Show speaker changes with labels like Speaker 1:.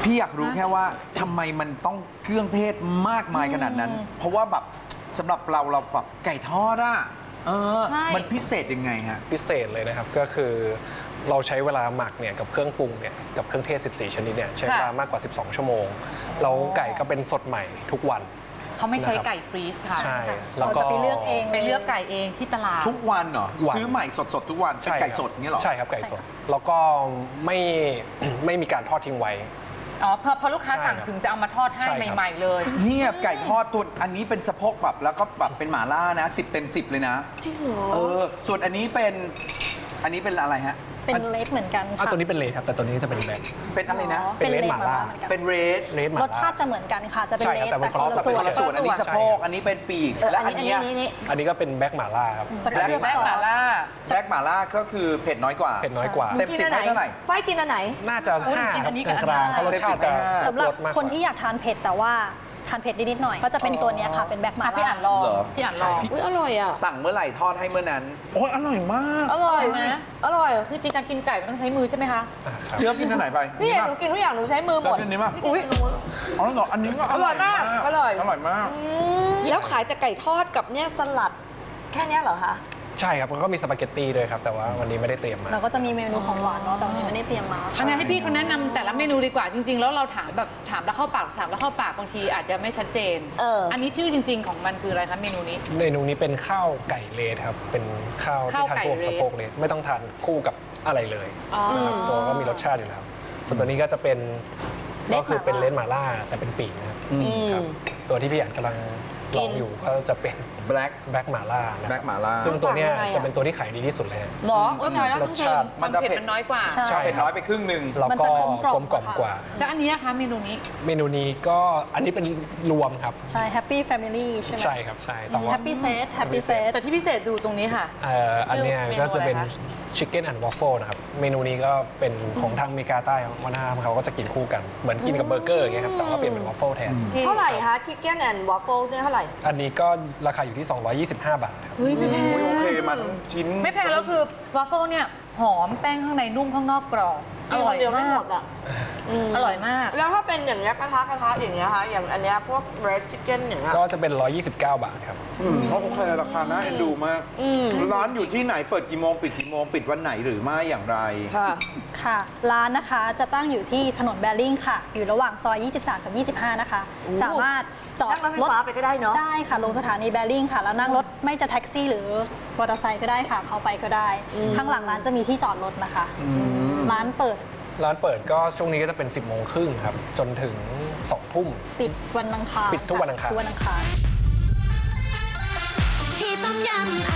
Speaker 1: พี่อยากรู้แค่ว่าทำไมมันต้องเครื่องเทศมากมายขนาดนั้น เพราะว่าแบบสำหรับเราแบบไก่ทอดอะมันพิเศษยังไงฮะ
Speaker 2: พิเศษเลยนะครับก็คือเราใช้เวลาหมักเนี่ยกับเครื่องปรุงเนี่ยกับเครื่องเทศ14ชนิดเนี่ยใช้เวลามากกว่า12ชั่วโมงแล้วไก่ก็เป็นสดใหม่ทุกวัน
Speaker 3: เขาไม่ใช้ไก่ฟรีซค่ะ
Speaker 2: ใช่
Speaker 4: เราจะไปเลือกเอง
Speaker 3: ไปเลือกไก่เองที่ตลาด
Speaker 1: ทุกวันเหรอซื้อใหม่สดทุกวันเป็นไก่สดเงี้ยหรอ
Speaker 2: ใช่ครับไก่สดแล้วก็ไม่มีการทอดทิ้งไว้
Speaker 3: อ๋อพอลูกค้าสั่งถึงจะเอามาทอดให้ใหม่ๆเลย
Speaker 1: เนี่ยไก่ทอดตัวอันนี้เป็นสะโพกแบบแล้วก็แบบเป็นหม่าล่านะ10 เต็ม 10เลยนะ
Speaker 4: จริงเหรอ
Speaker 1: ส่วนอันนี้เป็นอะไรฮะ
Speaker 4: เป็นเลดเหมือนกันค่ะ
Speaker 2: ตัวนี้เป็นเลดครับแต่ตัวนี้จะเป็นแบล็ค
Speaker 1: เป็นอะไรนะ
Speaker 2: เป็นเลดหม่าล่า
Speaker 1: เป็นเรด
Speaker 4: รสชาติจะเหมือนกันค่ะจะเป็นเลดแต่คนละส่วน
Speaker 1: อันนี้สะโพกอันนี้เป็นปีกและอัน
Speaker 2: นี้ก็เป็นแบล็คหม่าล่าครับ
Speaker 3: แบล็คหม่าล่า
Speaker 1: แบล็คหม่าล่าก็คือเผ็ดน้อยกว่า
Speaker 2: เผ็ดน้อยกว่า
Speaker 1: เต็ม10ให้เท่าไหร่
Speaker 5: ไฟกินอันไหน
Speaker 2: น่าจะ5ครับกลางเพราะรสชาติจะ
Speaker 4: สำหรับคนที่อยากทานเผ็ดแต่ว่าทานเผ็ดนิดหน่อยก็จะเป็นตัวนี้ค่ะเป็นแบล็คหม่าล่า
Speaker 3: พี่อ่านลอง
Speaker 5: อุ้ยอร่อยอ่ะ
Speaker 1: สั่งเมื่อไหร่ทอดให้เมื่อนั้นโอ้ยอร่อยมาก
Speaker 5: อร่อยไหมอร่อย
Speaker 3: คือจริงการกินไก่มันต้องใช้มือใช่ไหมคะ
Speaker 1: เลือกกินอันไหนไป
Speaker 5: พี่หนูกินทุกอย่างหนูใช้มือหมด
Speaker 1: อันนี้มาก
Speaker 5: อุ้ย
Speaker 1: อ๋อเหรออันนี้ก็
Speaker 3: อร่อยมาก
Speaker 5: อร่อย
Speaker 1: มาก
Speaker 5: แล้วขายแต่ไก่ทอดกับเนี่ยสลัดแค่นี้เหรอคะ
Speaker 2: ใช่ครับก็มีสปาเกตตี้ด้วยครับแต่ว่าวันนี้ไม่ได้เตรียมมา
Speaker 4: เราก็จะมีเมนูของหวานเนาะแต่วันนี้ไม่ได้เตรียมมา
Speaker 3: อันนี้ให้พี่เขาแนะนำแต่ละเมนูดีกว่าจริงๆแล้วเราถามแล้วเข้าปากบางทีอาจจะไม่ชัดเจนอันนี้ชื่อจริงๆของมันคืออะไรคะเมนูนี้
Speaker 2: เป็นข้าวไก่เลดครับเป็นข้าวที่ทานคู่กับสะโพกเลดไม่ต้องทานคู่กับอะไรเลยนะครับตัวก็มีรสชาติอยู่แล้วส่วนตัวนี้ก็จะเป็นก็คือเป็นเลดหม่าล่าแต่เป็นปีกนะครับตัวที่พี่อ่านกำลังลองอยู่ก็จะเป็นแบล็คหม่าล่าซึ่งตัวเนี้ยจะเป็นตัวที่ขายดีที่สุดเลย
Speaker 5: หรอก็น้อยแล้ว
Speaker 2: รสชาติ
Speaker 3: มันจะเผ็ดมันน้อยกว่า
Speaker 1: ใช่เผ็ดน้อยไปครึ่งนึง
Speaker 2: แล้วก็กลมกล่อมกว่า
Speaker 3: แล้วอันนี้นะคะเมนู
Speaker 2: นี้ก็อันนี้เป็นรวมครับ
Speaker 4: ใช่ Happy Family ใช่ไหม
Speaker 2: ใช่ครับใช่แต่ว่า
Speaker 4: Happy Set
Speaker 3: แต่ที่พิเศษดูตรงนี้ค่ะ
Speaker 2: อันนี้ก็จะเป็นChicken and Waffle นะครับเมนูนี้ก็เป็นของทางอเมริกาใต้วัฒนธรรมเขาก็จะกินคู่กันเหมือนกินกับเบอร์เกอร์อย่างเงี้ยครับแต่ว่าเปลี่ยนเป็นวอฟเฟิลแทน
Speaker 5: เท่าไหร่คะ Chicken and Waffle เท่าไหร่
Speaker 2: อันนี้ก็ราคาอยู่ที่225 บาทครับ
Speaker 3: เฮ้ยไม่แพง
Speaker 1: โอเคมันชิ้น
Speaker 3: ไม่แพงแล้วคือวอฟเฟิลเนี่ยหอมแป้งข้างในนุ่มข้างนอกกรอบ
Speaker 5: อร่อยเดียวไม่หมดอ่ะ
Speaker 3: อร่อยมาก
Speaker 5: แล้วถ้าเป็นอย่างเงี้ยกระทะอย่างเงี้ยคะอย่างอันเนี้ยพวก red chicken อย่างเงี้ย
Speaker 2: ก็จะเป็น129 บาทครับ
Speaker 1: เขาโอเคราคาน่าเอ็นดูมากร้านอยู่ที่ไหนเปิดกี่โมงปิดกี่โมงปิดวันไหนหรือไม่อย่างไร
Speaker 4: ค่ะร้านนะคะจะตั้งอยู่ที่ถนนแบริ่งค่ะอยู่ระหว่างซอย23กับ25นะคะสามารถจอด
Speaker 5: รถไฟฟ้าไปก็ได้เนาะ
Speaker 4: ได้ค่ะลงสถานีแบริ่งค่ะแล้วนั่งรถไม่จะแท็กซี่หรือมอเตอร์ไซค์ก็ได้ค่ะเข้าไปก็ได้ข้างหลังร้านจะมีที่จอดรถนะคะร้านเปิด
Speaker 2: ก็ช่วงนี้ก็จะเป็น10 โมงครึ่งครับจนถึง2 ทุ่ม
Speaker 4: ปิดวันอังคาร
Speaker 2: ปิดทุกวันอังคาร
Speaker 4: ที่ต้มยำ